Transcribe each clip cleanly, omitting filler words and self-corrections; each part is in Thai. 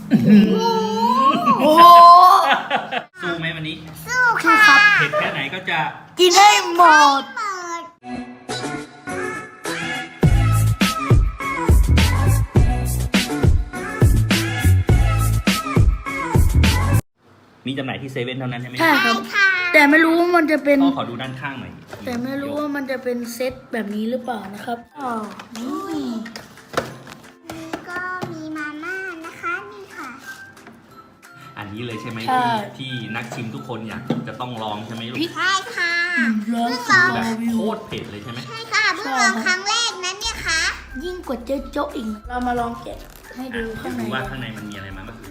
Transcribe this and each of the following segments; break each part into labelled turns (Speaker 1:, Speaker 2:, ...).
Speaker 1: โอ้
Speaker 2: สู้ไหมวันนี้
Speaker 1: สู้ค่ะ
Speaker 2: เผ็ดแค่ไหนก็จะ
Speaker 1: กินให้หมด
Speaker 2: มีจำหน่ายที่เซเว่นเท่านั้นใช่ไหม
Speaker 1: ใช่ครับแต่ไม่รู้ว่ามันจะเป็น
Speaker 2: ขอดูด้านข้างหน่อย
Speaker 1: แต่ไม่รู้ว่ามันจะเป็นเซตแบบนี้หรือเปล่านะครับอ๋อนี่
Speaker 3: ก็มีมาม่านะคะนี่ค่ะ
Speaker 2: อันนี้เลยใช่ไหม
Speaker 1: ใช่
Speaker 2: ที่นักชิมทุกคนอยากจะต้องลองใช่ไหมลูก
Speaker 3: ใช่ค่ะ
Speaker 1: ร้อน
Speaker 3: ลอง
Speaker 2: แบบโคตรเผ็ดเลยใช่ไหม
Speaker 3: ใช่ค่ะเพิ่งลองครั้งแรกนั้นเนี่ยค่ะ
Speaker 1: ยิ่งกว่าโจ๊ะอีกเรามาลองแกะให้ดูข้างใน
Speaker 2: ดูว่าข้างในมันมีอะไรมาบ้าง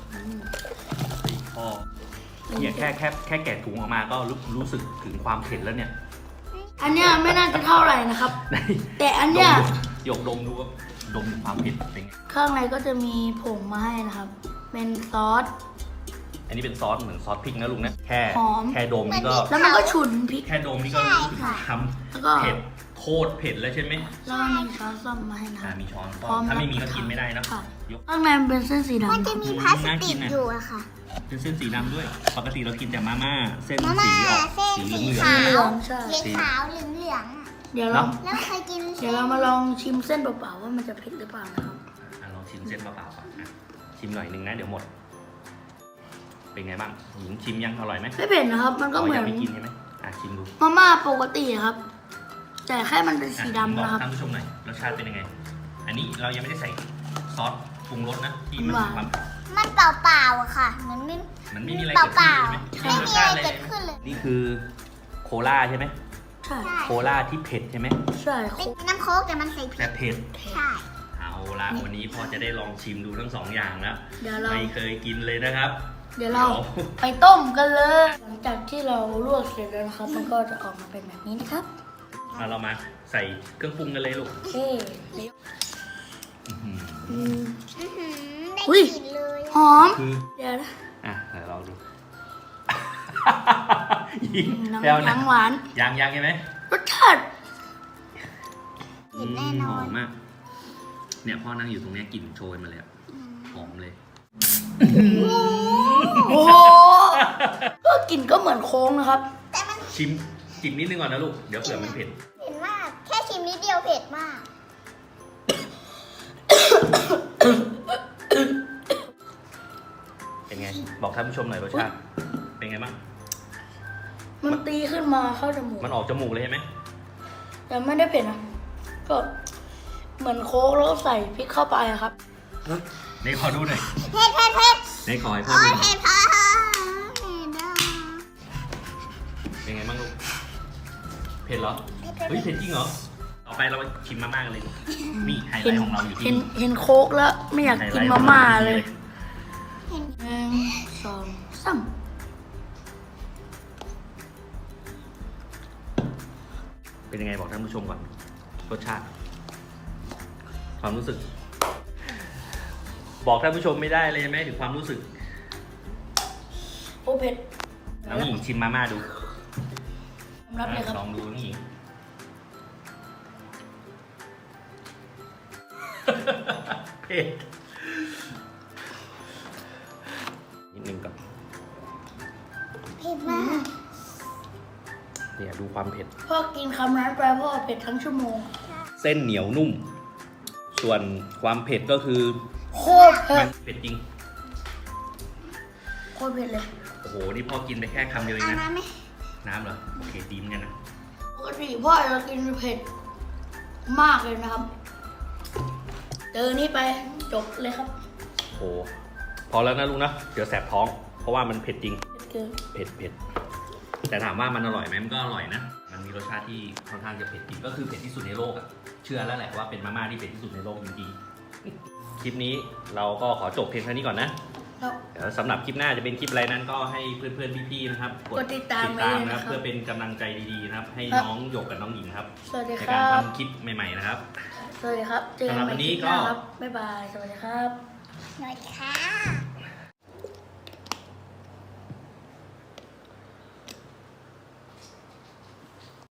Speaker 2: พ่อเนี่ยแค่แกะถุงออกมาก็รู้สึกถึงความเผ็ดแล้วเนี่ย
Speaker 1: อันเนี้ยไม่น่าจะเท่าไหร่นะครับ แต่อันเนี้ย
Speaker 2: หยกดมดูว่าดมถึงความเผ็ดเป็นไง
Speaker 1: ข้างในก็จะมีผงมาให้นะครับ เป็นซอส
Speaker 2: อันนี้เป็นซอสเหมือนซอสพริกนะลุงนะ
Speaker 1: หอม
Speaker 2: แค่ดมนี่ก็
Speaker 1: แล้วมันก็ฉุนพริก
Speaker 2: แค่ดมนี่ก็รู้สึกท
Speaker 1: แล้วก็
Speaker 2: ำเผ็ดโคตรเผ็ดแล้วใช่ไหม
Speaker 1: แล้วก็มีช้อนส้อมมาให้นะค
Speaker 2: อ่า
Speaker 1: รับ
Speaker 2: มีช้อน
Speaker 1: พร้อม
Speaker 2: ถ้าไม่มีก็กินไม่ได้นะ
Speaker 1: ค่ะ
Speaker 2: ยก
Speaker 1: ข้างในมันเป็นเส้นสีดำ
Speaker 3: มันจะมีพลาสติกอยู่อะค่ะ
Speaker 2: เป็นเส้นสีดำด้วย ปกติเรากินแต่มาม่าเส้น
Speaker 3: มาม่า
Speaker 2: สีออก
Speaker 3: เส้น
Speaker 2: สี
Speaker 3: สี
Speaker 2: เหลือง
Speaker 3: ขาว
Speaker 1: เหลืองใช่
Speaker 3: สีขาวเหลืองเหลืองๆอะ
Speaker 1: เดี๋ยวเรา
Speaker 3: แล้วเคยกิน
Speaker 1: เดี๋ยวเรามาลองชิมเส้นเปล่าๆว่ามันจะเผ็ดหรือเปล่านะครับ
Speaker 2: ลองชิมเส้นเปล่าๆก่อนอ่ะชิมหน่อยนึงนะเดี๋ยวหมด เป็นไงบ้างหญิงชิมยังอร่อยไหม
Speaker 1: ไม่เผ็ดนะครับ มันก็เหมือน
Speaker 2: ยังไม่กินใช่ไหมชิมดู
Speaker 1: มาม่าปกติครับ แต่แค่มันเป็นสี
Speaker 2: บอก
Speaker 1: ดำนะครับ
Speaker 2: ท่านผู้ชมหน่อยรสชาติเป็นยังไง อันนี้เรายังไม่ได้ใส่ซอสปรุงรสนะที่มันมีความ
Speaker 3: มันเปล่าๆอะค่ะเหมือนไม่
Speaker 2: มันไม่มีอะไร
Speaker 3: เป
Speaker 2: เกิดขึ้น
Speaker 3: ล่า
Speaker 2: ใช่ไหม
Speaker 3: ๆไม่มีอะไรเกิดขึ้นเลย
Speaker 2: นี่คือโคลาใช่ไหม
Speaker 1: ใช่
Speaker 2: โคลาที่เผ็ดใช่ไหม
Speaker 1: ใช่คร
Speaker 3: เป็น
Speaker 1: บ
Speaker 3: น้ำโค้กแต่มันใส่พริ
Speaker 2: แต่
Speaker 3: ก
Speaker 2: เผ็ด
Speaker 3: ใช่
Speaker 2: เอาละวันนี้พ่อจะได้ลองชิมดูทั้งสองอย่างแล้ว
Speaker 1: เดี๋ยวเรา
Speaker 2: ไม่เคยกินเลยนะครับ
Speaker 1: เดี๋ยวเราไปต้มกันเลย หลังจากที่เราลวกเสร็จแล้วนะครับ มันก็จะออกมาเป็นแบบนี้นะครับ
Speaker 2: เรามาใส่เครื่องปรุงกันเลยลูก
Speaker 1: โอเคเดี๋ยว
Speaker 2: อื้อหือ
Speaker 3: อื้อหือได้
Speaker 1: อุ๊ย
Speaker 3: กลิ่นเลย
Speaker 1: หอม
Speaker 2: คือ
Speaker 1: เดี๋ยวนะ
Speaker 2: เดี๋ยวเราดู ยิง
Speaker 1: น้ำ
Speaker 2: แล้วนะ
Speaker 1: ทั้งหวาน
Speaker 2: ยังใช่ไหม
Speaker 1: รสชาติ
Speaker 3: กลิ่นแน่นอ
Speaker 2: หอน มมาก เนี่ยพ่อนั่งอยู่ตรงเนี้ยกลิ่นโชยมาเลยอะหอมเลย
Speaker 1: โอ้โหก็กลิ่นก็เหมือนโค้งนะครับ
Speaker 3: แต่มัน
Speaker 2: ชิมจิบนิดนึงก่อนนะลูก เดี๋ยวเผื่อมันเผ็ด
Speaker 3: เผ็ดมาก แค่ชิมนิดเดียวเผ็ดมาก
Speaker 2: เป็นไง บอกท่านผู้ชมหน่อยรสชาติ เป็นไงบ้าง
Speaker 1: มันตีขึ้นมาเข้าจมูก
Speaker 2: มันออกจมูกเลยใช่ไหม
Speaker 1: แต่ไม่ได้เผ็ดนะ ก็เหมือนโค้กแล้วก็ใส่พริกเข้าไปอะครับ
Speaker 2: ในขอดูหน่อย
Speaker 3: เผ็ดเผ็ดเผ็ด
Speaker 2: ในขอให้พ่อ
Speaker 3: โอ้
Speaker 2: ดู
Speaker 3: ย
Speaker 2: หน่อย
Speaker 3: เผ็ดพอเผ็ดอ่ะ
Speaker 2: เป็นไงบ้างลูก เผ็ดเหรอ เฮ้ยเผ็ดจริงเหรอ ต่อไปเราไปชิมมาม่ากันเลยลูกนี่ไฮไล
Speaker 1: เห็น
Speaker 2: ท์ของเราอยู่ที่
Speaker 1: เห็นโค้กแล้วไม่อยากกินมาม่าเลย
Speaker 3: เห็น
Speaker 1: หนึ่งสองสาม
Speaker 2: เป็นยังไงบอกท่านผู้ชมก่อน รสชาติ ความรู้สึก บอกท่านผู้ชมไม่ได้เลยใช่ไหมถึงความรู้สึก
Speaker 1: โอ้เผ็ด
Speaker 2: น้องหญิงชิมมาม่าดู
Speaker 1: ผมรับเลยครับ
Speaker 2: ลองดูน้องหญิง เผ็ดนิดนึงก่อน
Speaker 3: เผ็ดมาก
Speaker 2: เนี่ยดูความเผ็ด
Speaker 1: พ่อกินคำนั้นไปพ่อเผ็ดทั้งชั่วโมง
Speaker 2: เส้นเหนียวนุ่ม ส่วนความเผ็ดก็คือ
Speaker 1: โคตรเผ็
Speaker 2: มั
Speaker 1: ด
Speaker 2: นเผ็ดจริง
Speaker 1: โคตรเผ็ดเลย
Speaker 2: โอ้โห นี่พ่อกินไปแค่คำเดียวเอง
Speaker 3: เอา
Speaker 2: นะ
Speaker 3: น้ำไหม
Speaker 2: น้ำเหรอ โอเคดีเหมือนกันนะ
Speaker 1: ปกติพ่อจะกินเผ็ดมากเลยนะครับ เจอนี่ไปจบเลยครับ
Speaker 2: โอ้โห พอแล้วนะลุงนะ เดี๋ยวแสบท้อง เพราะว่ามันเผ็ดจริง
Speaker 1: เกิน
Speaker 2: เผ็ด แต่ถามว่ามันอร่อยไหมมันก็อร่อยนะ มันมีรสชาติที่ค่อนข้างจะเผ็ดจริง ก็คือเผ็ดที่สุดในโลกอะเชื่อแล้วแหละว่าเป็นมาม่าที่เผ็ดที่สุดในโลกจริงๆ คลิปนี้เราก็ขอจบเพียงเท่านี้ก่อนนะ
Speaker 1: แล้ว
Speaker 2: เดี๋ยวสำหรับคลิปหน้าจะเป็นคลิปอะไรนั้นก็ให้เพื่อนๆพี่ๆนะครับ
Speaker 1: กดติดตามไว้เลย
Speaker 2: นะ
Speaker 1: นะ
Speaker 2: ค
Speaker 1: ครั
Speaker 2: รับ บ เพื่อเป็นกำลังใจดีๆนะครับ ให้น้องหยกกับน้องหญิงครับ
Speaker 1: สวัสดี
Speaker 2: ใน
Speaker 1: ค
Speaker 2: การ
Speaker 1: รับ
Speaker 2: ทำคลิปใหม่ๆนะครับ
Speaker 1: สวัสดีครับ เจอกันใหม่คลิปหน้าครับ บ๊ายบาย สวัสดีครับ
Speaker 3: หน่อยค่ะ